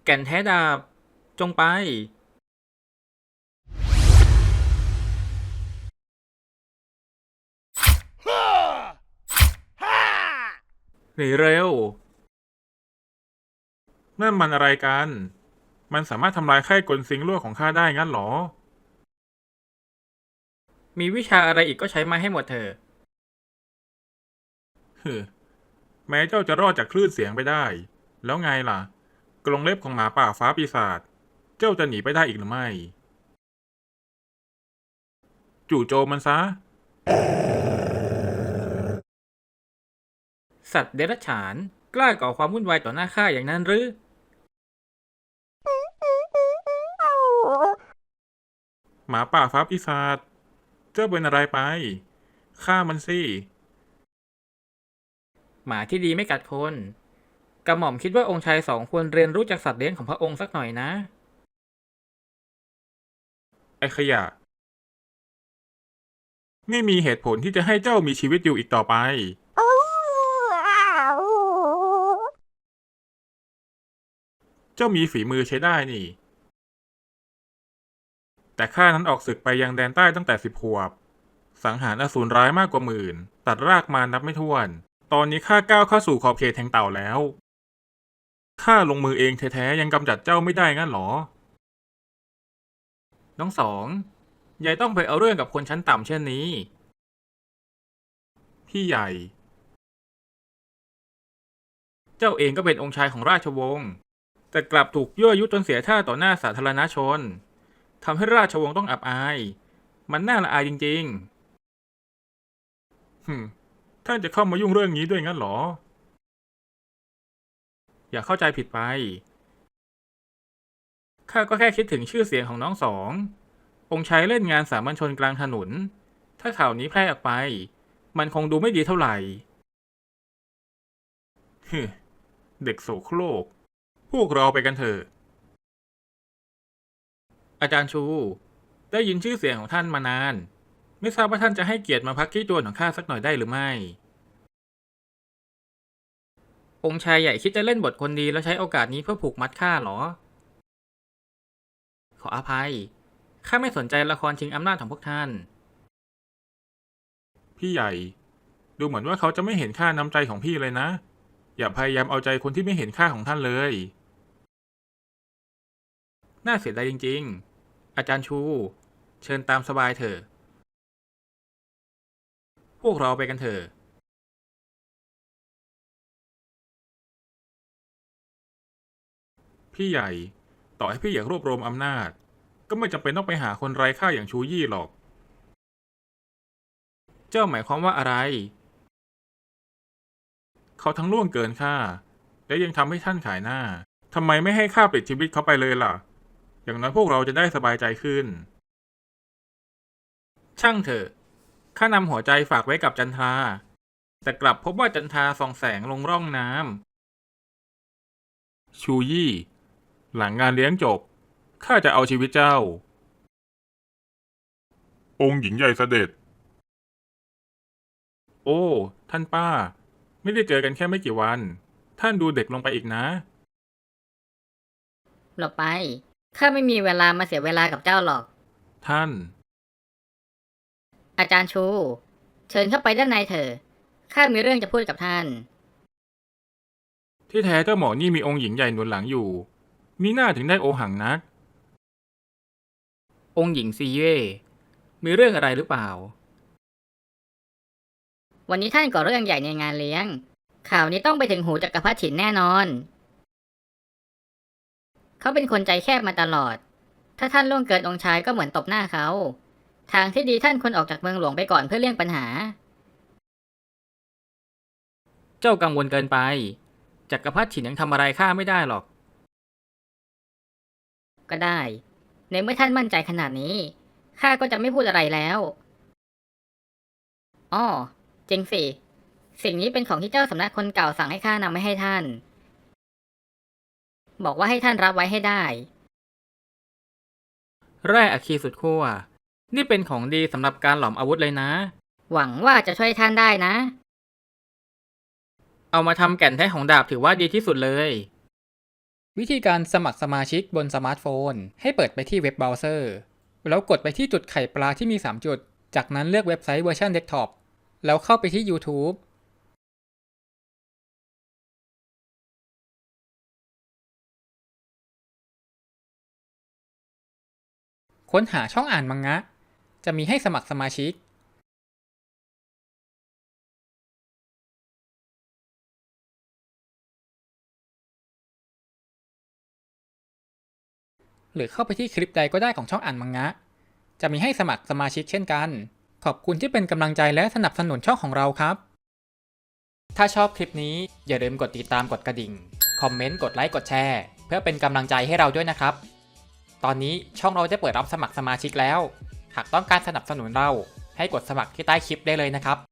แก่นแท้ดาบจงไปหนีเร็วนั่นมันอะไรกัน มันสามารถทำลายไข้กลซิงลั่วของข้าได้งั้นเหรอมีวิชาอะไรอีกก็ใช้มาให้หมดเถอะฮึแม้เจ้าจะรอดจากคลื่นเสียงไปได้ แล้วไงล่ะ กรงเล็บของหมาป่าฟ้าปีศาจ เจ้าจะหนีไปได้อีกหรือไม่ จู่โจมมันซะสัตว์เดรัจฉานกล้าก่อความวุ่นวายต่อหน้าข้าอย่างนั้นหรือหมาป่าฟ้าปีศาจ เจ้าเป็นอะไรไป ฆ่ามันสิหมาที่ดีไม่กัดคนกระหม่อมคิดว่าองค์ชายสองควรเรียนรู้จากสัตว์เลี้ยงของพระองค์สักหน่อยนะไอ้ขยะ ไม่มีเหตุผลที่จะให้เจ้ามีชีวิตอยู่อีกต่อไป เจ้ามีฝีมือใช้ได้นี่ แต่ข้านั้นออกศึกไปยังแดนใต้ตั้งแต่10 ขวบ สังหารอสูรร้ายมากกว่า10,000 ตัดรากมานับไม่ถ้วน ตอนนี้ข้าก้าวเข้าสู่ขอบเขตแห่งเต่าแล้ว ข้าลงมือเองแท้ๆยังกำจัดเจ้าไม่ได้งั้นหรอน้องสองยายต้องไปเอาเรื่องกับคนชั้นต่ำเช่นนี้พี่ใหญ่เจ้าเองก็เป็นองค์ชายของราชวงศ์แต่กลับถูกยั่วยุจนเสียท่าต่อหน้าสาธารณชนทำให้ราชวงศ์ต้องอับอายมันน่าละอายจริงฮึมท่านจะเข้ามายุ่งเรื่องนี้ด้วยงั้นหรอๆอย่าเข้าใจผิดไปข้าก็แค่คิดถึงชื่อเสียงของน้องสององค์ชายเล่นงานสามัญชนกลางถนนถ้าข่าวนี้แพร่ออกไปมันคงดูไม่ดีเท่าไหร่ฮึเด็กโสโครก พวกเราไปกันเถอะอาจารย์ชูได้ยินชื่อเสียงของท่านมานานไม่ทราบว่าท่านจะให้เกียรติมาพักที่จวนของข้าสักหน่อยได้หรือไม่องค์ชายใหญ่คิดจะเล่นบทคนดีแล้วใช้โอกาสนี้เพื่อผูกมัดข้าเหรอขออภัยข้าไม่สนใจละครชิงอำนาจของพวกท่านพี่ใหญ่ ดูเหมือนว่าเขาจะไม่เห็นค่าน้ำใจของพี่เลยนะ อย่าพยายามเอาใจคนที่ไม่เห็นค่าของท่านเลยน่าเสียดายจริงๆอาจารย์ชูเชิญตามสบายเถอะพวกเราไปกันเถอะพี่ใหญ่ ต่อให้พี่อยากรวบรวมอำนาจ ก็ไม่จำเป็นต้องไปหาคนไร้ค่าอย่างชูยี่หรอกเจ้าหมายความว่าอะไรเขาทั้งล่วงเกินค่า และยังทำให้ท่านขายหน้า ทำไมไม่ให้ค่าปลิดชีวิตเขาไปเลยล่ะ อย่างน้อยพวกเราจะได้สบายใจขึ้นช่างเถอะข้านำหัวใจฝากไว้กับจันทราแต่กลับพบว่าจันทราส่องแสงลงร่องน้ชูยี่ หลังงานเลี้ยงจบ ข้าจะเอาชีวิตเจ้า องค์หญิงใหญ่เสด็จ โอ้ ท่านป้า ไม่ได้เจอกันแค่ไม่กี่วัน ท่านดูเด็กลงไปอีกนะหลบไปข้าไม่มีเวลามาเสียเวลากับเจ้าหรอกท่านอาจารย์ชู เชิญเข้าไปด้านในเถอะข้ามีเรื่องจะพูดกับท่านที่แท้เจ้าหมอนี่มีองค์หญิงใหญ่หนุนหลังอยู่ มีหน้าถึงได้โอหังนักำองค์หญิงซีเย่มีเรื่องอะไรหรือเปล่าวันนี้ท่านก่อเรื่องใหญ่ในงานเลี้ยง ข่าวนี้ต้องไปถึงหูจักรพรรดิฉินแน่นอน เขาเป็นคนใจแคบมาตลอด ถ้าท่านล่วงเกินองค์ชายก็เหมือนตบหน้าเขา ทางที่ดีท่านควรออกจากเมืองหลวงไปก่อนเพื่อเลี่ยงปัญหาเจ้ากังวลเกินไปจักรพรรดิฉินยังทำอะไรข้าไม่ได้หรอกก็ได้ ในเมื่อท่านมั่นใจขนาดนี้ข้าก็จะไม่พูดอะไรแล้วอ้อจริงสิ สิ่งนี้เป็นของที่เจ้าสำนักคนเก่าสั่งให้ข้านำไม่ให้ท่าน บอกว่าให้ท่านรับไว้ให้ได้แร่อะคีสุดขั้วนี่เป็นของดีสำหรับการหลอมอาวุธเลยนะหวังว่าจะช่วยท่านได้นะเอามาทำแก่นแท้ของดาบถือว่าดีที่สุดเลยวิธีการสมัครสมาชิกบนสมาร์ทโฟนให้เปิดไปที่เว็บเบราว์เซอร์แล้วกดไปที่จุดไข่ปลาที่มี3จุดจากนั้นเลือกเว็บไซต์เวอร์ชันเดสก์ท็อปแล้วเข้าไปที่ YouTube ค้นหาช่องอ่านมังงะจะมีให้สมัครสมาชิกหรือเข้าไปที่คลิปใดก็ได้ของช่องอ่านมังงะจะมีให้สมัครสมาชิกเช่นกันขอบคุณที่เป็นกำลังใจและสนับสนุนช่องของเราครับถ้าชอบคลิปนี้อย่าลืมกดติดตามกดกระดิ่งคอมเมนต์กดไลค์กดแชร์เพื่อเป็นกำลังใจให้เราด้วยนะครับตอนนี้ช่องเราได้เปิดรับสมัครสมาชิกแล้วหากต้องการสนับสนุนเราให้กดสมัครที่ใต้คลิปได้เลยนะครับ